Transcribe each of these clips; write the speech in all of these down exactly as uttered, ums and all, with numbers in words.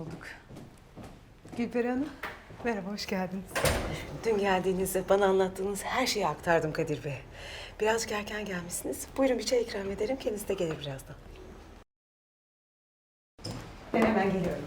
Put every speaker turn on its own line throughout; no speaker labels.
bulduk.
Gülperi Hanım, merhaba, hoş geldiniz.
Dün geldiğinizde bana anlattığınız her şeyi aktardım Kadir Bey. Birazcık erken gelmişsiniz. Buyurun bir çay ikram ederim. Kendisi de gelir birazdan.
Ben hemen geliyorum.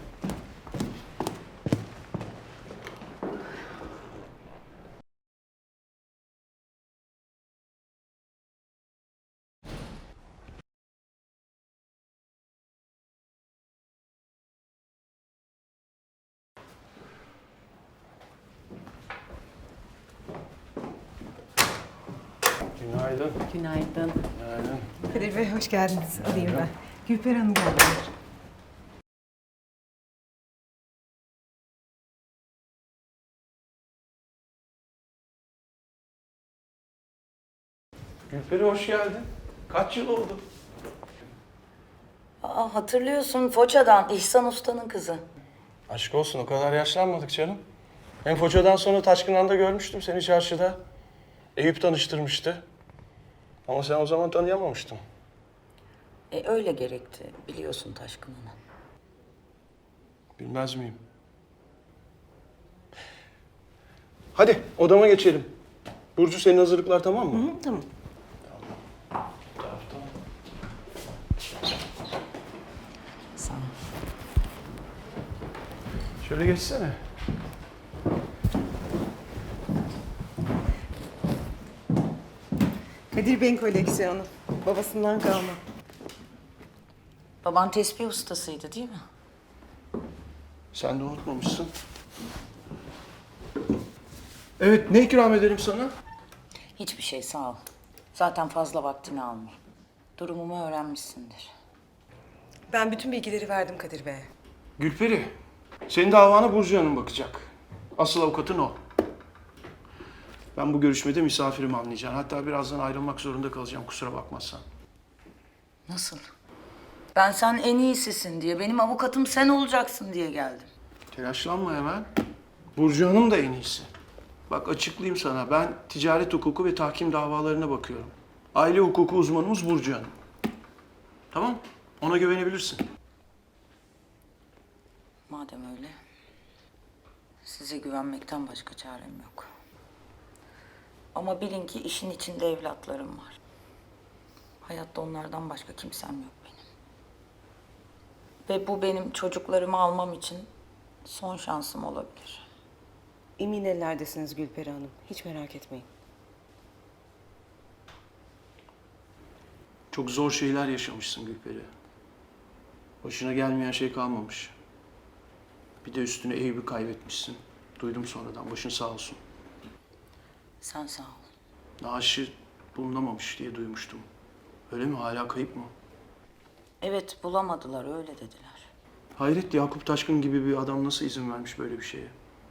Günaydın.
Günaydın.
Günaydın.
Kadir Bey, hoş geldiniz. Alayım ben. Gülperi Hanım geldiler.
Gülperi hoş geldin. Kaç yıl oldu?
Aa, hatırlıyorsun Foça'dan İhsan Usta'nın kızı.
Aşk olsun o kadar yaşlanmadık canım. Hem Foça'dan sonra Taşkınan'da görmüştüm seni çarşıda. Eyüp tanıştırmıştı. Ama sen o zaman tanıyamamıştın.
E öyle gerekti biliyorsun Taşkınan'ı.
Bilmez miyim? Hadi odama geçelim. Burcu senin hazırlıklar tamam mı?
Hı, tamam.
Sağ ol.
Şöyle geçsene.
Kadir Bey'in koleksiyonu. Babasından kalma.
Baban tespih ustasıydı değil mi?
Sen de unutmamışsın. Evet, ne ikram edelim sana?
Hiçbir şey sağ ol. Zaten fazla vaktini alma. Durumumu öğrenmişsindir.
Ben bütün bilgileri verdim Kadir Bey'e.
Gülperi, senin davana Burcu Hanım bakacak. Asıl avukatın o. Ben bu görüşmede misafirim anlayacaksın. Hatta birazdan ayrılmak zorunda kalacağım kusura bakmazsan.
Nasıl? Ben sen en iyisisin diye, benim avukatım sen olacaksın diye geldim.
Telaşlanma hemen. Burcu Hanım da en iyisi. Bak açıklayayım sana. Ben ticaret hukuku ve tahkim davalarına bakıyorum. Aile hukuku uzmanımız Burcu Hanım. Tamam? Ona güvenebilirsin.
Madem öyle, size güvenmekten başka çarem yok. Ama bilin ki işin içinde evlatlarım var. Hayatta onlardan başka kimsem yok benim. Ve bu benim çocuklarımı almam için son şansım olabilir.
Emin ellerdesiniz Gülperi Hanım. Hiç merak etmeyin.
Çok zor şeyler yaşamışsın Gülperi. Başına gelmeyen şey kalmamış. Bir de üstüne Eyüp'ü kaybetmişsin. Duydum sonradan. Başın sağ olsun.
Sen sağ ol.
Naaşı bulunamamış diye duymuştum. Öyle mi? Hala kayıp mı?
Evet, bulamadılar, öyle dediler.
Hayret, Yakup Taşkın gibi bir adam nasıl izin vermiş böyle bir şeye?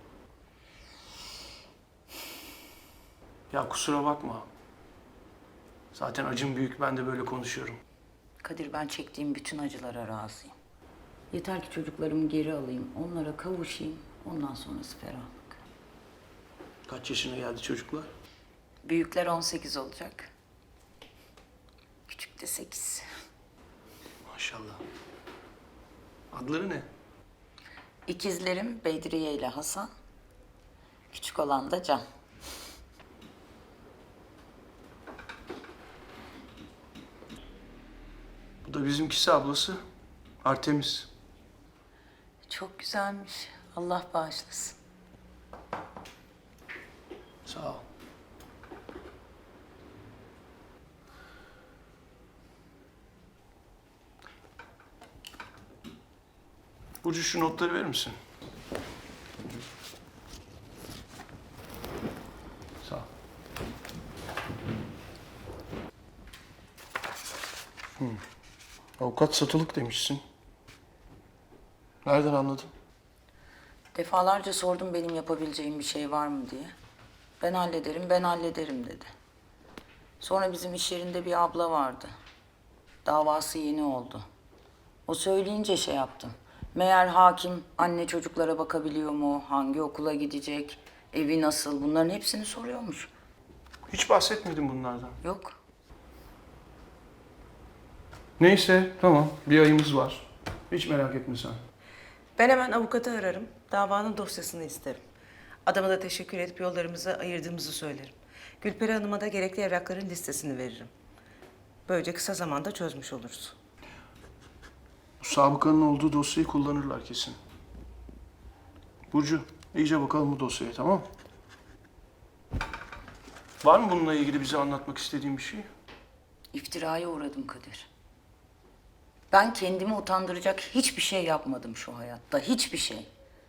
Ya kusura bakma. Zaten acım büyük, ben de böyle konuşuyorum.
Kadir, ben çektiğim bütün acılara razıyım. Yeter ki çocuklarımı geri alayım, onlara kavuşayım. Ondan sonrası ferahlık.
Kaç yaşına geldi çocuklar?
Büyükler on sekiz olacak. Küçük de sekiz.
Maşallah. Adları ne?
İkizlerim Bedriye ile Hasan. Küçük olan da Can.
Bu da bizimkisi ablası. Artemis.
Çok güzelmiş. Allah bağışlasın.
Sağ ol. Burcu şu notları verir misin? Sağ ol. Hmm. Avukat satılık demişsin. Nereden anladın?
Defalarca sordum benim yapabileceğim bir şey var mı diye. Ben hallederim, ben hallederim dedi. Sonra bizim iş yerinde bir abla vardı. Davası yeni oldu. O söyleyince şey yaptım. Meğer hakim anne çocuklara bakabiliyor mu, hangi okula gidecek, evi nasıl, bunların hepsini soruyormuş.
Hiç bahsetmedin bunlardan.
Yok.
Neyse, tamam. Bir ayımız var. Hiç merak etme sen.
Ben hemen avukatı ararım. Davanın dosyasını isterim. Adama da teşekkür edip yollarımızı ayırdığımızı söylerim. Gülperi Hanım'a da gerekli evrakların listesini veririm. Böylece kısa zamanda çözmüş oluruz.
Bu sabıkanın olduğu dosyayı kullanırlar kesin. Burcu, iyice bakalım bu dosyaya, tamam mı? Var mı bununla ilgili bize anlatmak istediğin bir şey?
İftiraya uğradım Kadir. Ben kendimi utandıracak hiçbir şey yapmadım şu hayatta. Hiçbir şey.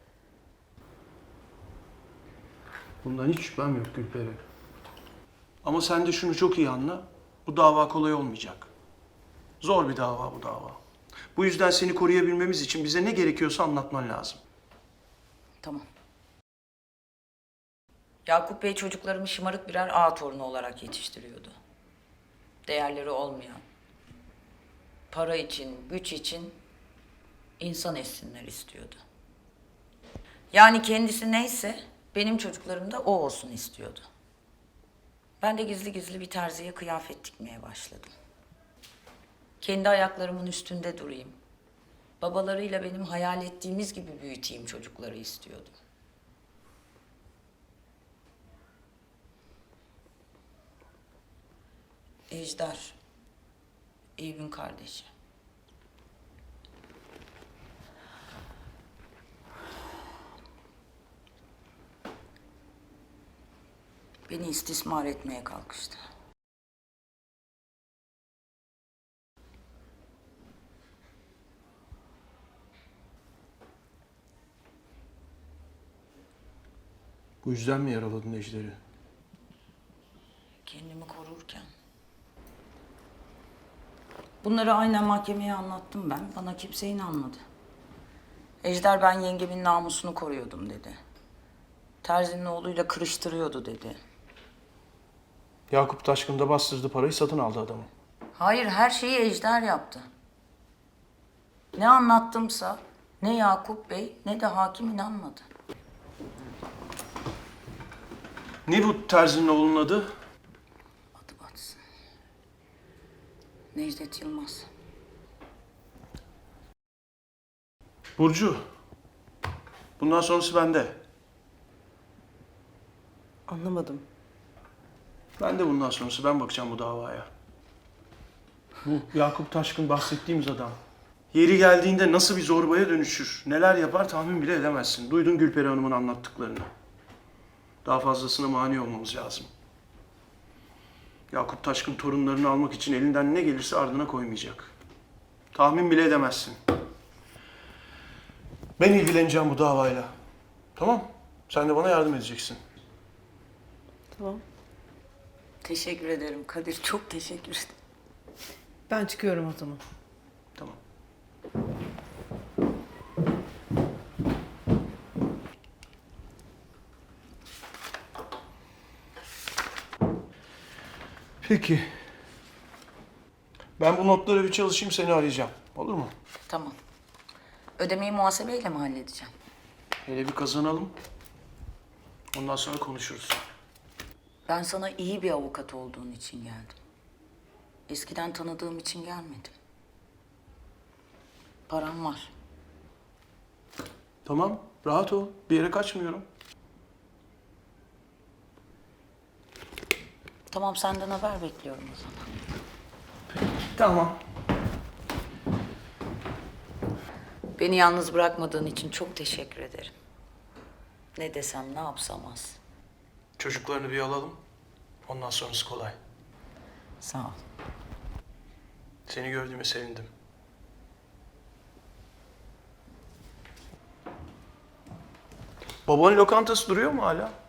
Bundan hiç şüphem yok Gülperi. Ama sen de şunu çok iyi anla. Bu dava kolay olmayacak. Zor bir dava bu dava. Bu yüzden seni koruyabilmemiz için bize ne gerekiyorsa anlatman lazım.
Tamam. Yakup Bey çocuklarımı şımarık birer ağa torunu olarak yetiştiriyordu. Değerleri olmayan, para için, güç için insan etsinler istiyordu. Yani kendisi neyse benim çocuklarım da o olsun istiyordu. Ben de gizli gizli bir terziye kıyafet dikmeye başladım. Kendi ayaklarımın üstünde durayım. Babalarıyla benim hayal ettiğimiz gibi büyüteyim çocukları istiyordum. Ejder, Eyüp'ün kardeşi. Beni istismar etmeye kalkıştı.
Bu yüzden mi yaraladın Ejder'i?
Kendimi korurken. Bunları aynen mahkemeye anlattım ben. Bana kimse inanmadı. Ejder ben yengemin namusunu koruyordum dedi. Terzinin oğluyla kırıştırıyordu dedi.
Yakup Taşkın da bastırdı parayı, satın aldı adamı.
Hayır, her şeyi Ejder yaptı. Ne anlattımsa ne Yakup Bey ne de hakim inanmadı.
Ne bu terzinin oğlunun adı?
Adı batsın. Necdet Yılmaz.
Burcu. Bundan sonrası bende.
Anlamadım.
Ben de bundan sonrası ben bakacağım bu davaya. Bu Yakup Taşkın bahsettiğimiz adam. Yeri geldiğinde nasıl bir zorbaya dönüşür, neler yapar tahmin bile edemezsin. Duydun Gülperi Hanım'ın anlattıklarını. Daha fazlasına mani olmamız lazım. Yakup Taşkın torunlarını almak için elinden ne gelirse ardına koymayacak. Tahmin bile edemezsin. Ben ilgileneceğim bu davayla. Tamam? Sen de bana yardım edeceksin.
Tamam.
Teşekkür ederim Kadir. Çok teşekkür ederim.
Ben çıkıyorum o zaman.
Tamam. Peki. Ben bu notları bir çalışayım, seni arayacağım. Olur mu?
Tamam. Ödemeyi muhasebeyle mi halledeceğim?
Hele bir kazanalım. Ondan sonra konuşuruz.
Ben sana iyi bir avukat olduğun için geldim. Eskiden tanıdığım için gelmedim. Param var.
Tamam, rahat ol. Bir yere kaçmıyorum.
Tamam, senden haber bekliyorum o zaman.
Tamam.
Beni yalnız bırakmadığın için çok teşekkür ederim. Ne desem, ne yapsam az.
Çocuklarını bir alalım. Ondan sonrası kolay.
Sağ ol.
Seni gördüğüme sevindim. Babanın lokantası duruyor mu hala?